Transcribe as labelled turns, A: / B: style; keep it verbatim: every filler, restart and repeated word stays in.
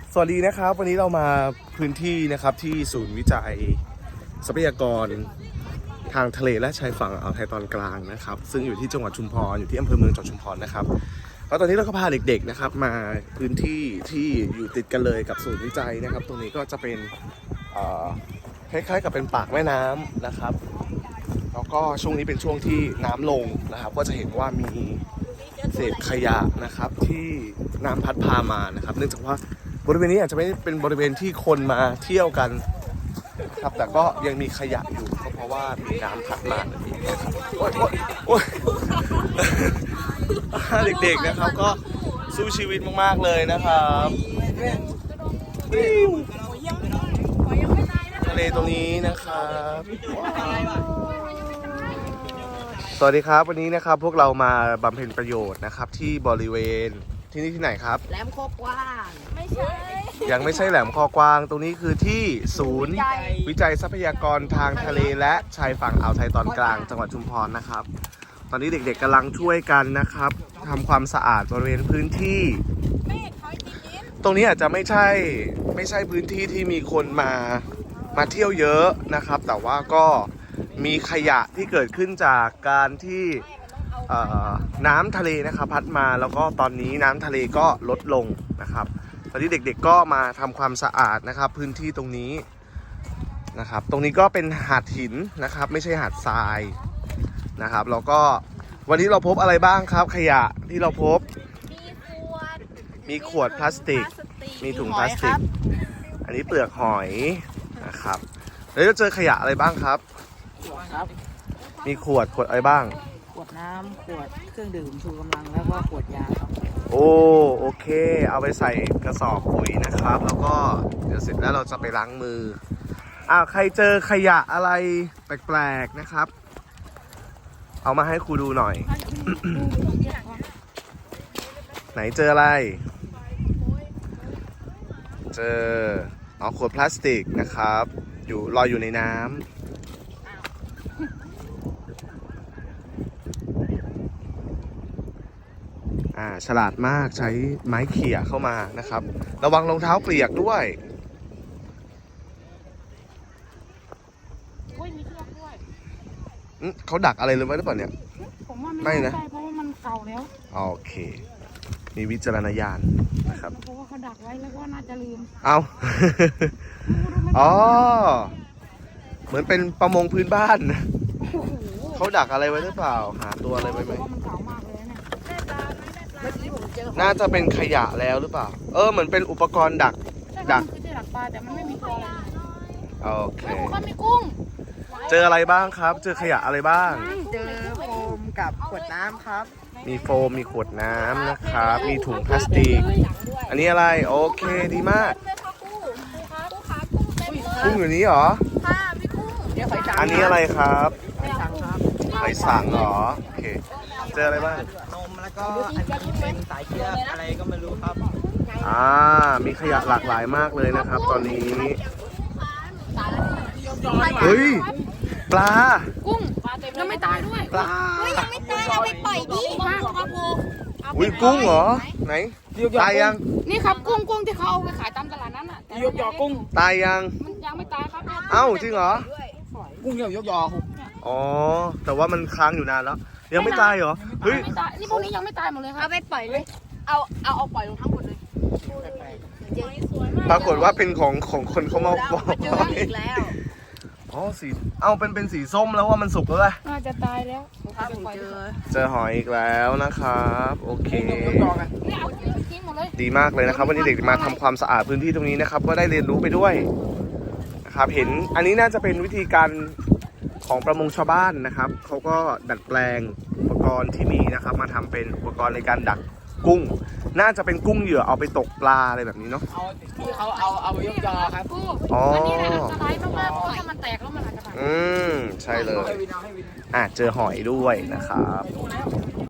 A: สวัสดีนะครับวันนี้เรามาพื้นที่นะครับที่ศูนย์วิจัยทรัพยากรทางทะเลและชายฝั่งอ่าวไทยตอนกลางนะครับซึ่งอยู่ที่จังหวัดชุมพรอยู่ที่อำเภอเมืองจังหวัดชุมพรนะครับแล้วตอนนี้เราก็พาเด็กๆนะครับมาพื้นที่ที่อยู่ติดกันเลยกับศูนย์วิจัยนะครับตรงนี้ก็จะเป็นคล้ายๆกับเป็นปากแม่น้ำนะครับแล้วก็ช่วงนี้เป็นช่วงที่น้ำลงนะครับก็จะเห็นว่ามีเศษขยะนะครับที่น้ำพัดพามานะครับเนื่องจากว่าบริเวณนี้อาจจะไม่เป็นบริเวณที่คนมาเที่ยวกันครับแต่ก็ยังมีขยะอยู่ก็เพราะว่ามีน้ำพัดมาแบบนี้นะครับโอ๊ยโอ๊ยโอ๊ยเด็กๆนะครับก็สู้ชีวิตมากๆเลยนะครับทะเลตรงนี้นะครับสวัสดีครับวันนี้นะครับพวกเรามาบำเพ็ญประโยชน์นะครับที่บริเวณที่นี่ที่ไหนครับ
B: แหลมโคกว้าง
C: ไม่ใช่
A: ยังไม่ใช่แหลมคอกวางตรงนี้คือที่ศูนย์วิจัยทรัพยากรทางทะเลและชายฝั่งอ่าวไทยตอนกลางจังหวัดชุมพรนะครับตอนนี้เด็กๆกำลังช่วยกันนะครับทำความสะอาดบริเวณพื้นที่ตรงนี้อาจจะไม่ใช่ไม่ใช่พื้นที่ที่มีคนมามาเที่ยวเยอะนะครับแต่ว่าก็มีขยะที่เกิดขึ้นจากการที่น้ำทะเลนะครับพัดมาแล้วก็ตอนนี้น้ำทะเลก็ลดลงนะครับตอนนี้เด็กๆก็มาทำความสะอาดนะครับพื้นที่ตรงนี้นะครับตรงนี้ก็เป็นหาดหินนะครับไม่ใช่หาดทรายนะครับแล้วก็วันนี้เราพบอะไรบ้างครับขยะที่เราพบ
C: มีขวด
A: มีขวดพลาสติกมีถุงพลาสติกอันนี้เปลือกหอยนะครับแล้วจะเจอขยะอะไรบ้างครับมีขวดขวดอะไรบ้าง
B: ขวดน้ำขวดเครื่องดื่มชูกำลังแล้วก็ขวดยาครับ
A: โอ้โอเคเอาไปใส่กระสอบปุ๋ยนะครับแล้วก็เดี๋ยวเสร็จแล้วเราจะไปล้างมืออ่าใครเจอขยะอะไรแปลกๆนะครับเอามาให้ครูดูหน่อย ไหนเจออะไรเจอเอาขวดพลาสติกนะครับอยู่ลอยอยู่ในน้ำอ่าฉลาดมากใช้ไม้เขี่ยเข้ามานะครับระวังรองเท้าเปียกด้วยเขาดักอะไรเลยไว้หรือเปล่าเนี่ย
B: ผมว่าไม่นะเพราะว่ามันเก่าแล้ว
A: โอเคมีวิจารณญาณนะครับ
B: เพราะว่าเขาดักไว้แล้วก็น่าจะลืม
A: เอาอ๋อเหมือนเป็นประมงพื้นบ้านเขาดักอะไรไว้หรือเปล่าหาตัวอะไรไว้ไหมน่าจะเป็นขยะแล้วหรือเปล่าเออเหมือนเป็นอุปกรณ์ดัก
B: ดักดักปลาแต่มันไม่มีตัวอะไร
A: โอเค
B: ก็มีกุ้ง
A: เจออะไรบ้างครับเจอขยะอะไรบ้าง
B: เจอโฟมกับขวดน้ำครับ
A: มีโฟมมีขวดน้ำนะครับมีถุงพลาสติกอันนี้อะไรโอเคดีมากกุ้งอยู่นี้เหรอ
C: ค่ะพี่กุ้ง
A: อันนี้อะไรครับ
B: หอยสังครับ
A: หอยสังเหรอโอเคเจออะไรบ้าง
B: นมแล้วก็อันนี้เป็นสายเชือกอะไรก็ไม่รู้ครับ
A: อ่ามีขยะหลากหลายมากเลยนะครับตอนนี้เฮ้ยปลา
B: กุ้งยังไม่ตายด้วย
A: ปลา
C: เฮ้ยยังไม่ตายเอาไปปล่อยดิครับโบ
A: อุ้ยกุ้งเหรอไหนตายยัง
B: นี่ครับกุ้งกุ้งที่เขาเอาไปขายตามตลาดนั้นอ่ะยกยอกุ้ง
A: ตายยัง
B: มันยังไม่ตายครับ
A: เอ้าจริงเหรอ
B: กุ้งเหี่ยวยกยอ
A: อ๋อแต่ว่ามันค้างอยู่นานแล้วยังไม่ตายเหรอเฮ้ย
B: นี่พวกนี้ยังไม่ตายหมดเลยครับ
C: เอาไปปล่อยเลยเอาเอาเอาปล่อยลงทั้งหมดเลย
A: ปรากฏว่าเป็นของของคนเขามาบอก
C: อีกแล้ว
A: อ๋อสีเอาเป็นเป็นสีส้มแล้วว่ามันสุกแล้วแหละ
B: น่าจะตายแล้ว
A: เจอเจอหอยอีกแล้วนะครับโอเคดีมากเลยนะครับวันนี้เด็กมาทำความสะอาดพื้นที่ตรงนี้นะครับก็ได้เรียนรู้ไปด้วยนะครับเห็นอันนี้น่าจะเป็นวิธีการของประมงชาวบ้านนะครับเขาก็ดัดแปลงอุปกรณ์ที่มีนะครับมาทำเป็นอุปกรณ์ในการดักกุ้งน่าจะเป็นกุ้งเหยื่อเอาไปตกปลาอะไรแบบนี้เนาะ
B: เอาที่เขาเอาเอาไปยกยอครับ
A: อ๋อ
B: อันนี้นะจะร้ายมากๆเพราะถ้ามันแตกแล้วมันอาจจะ
A: อืมใช่เลยอ่ะเจอหอยด้วยนะครับ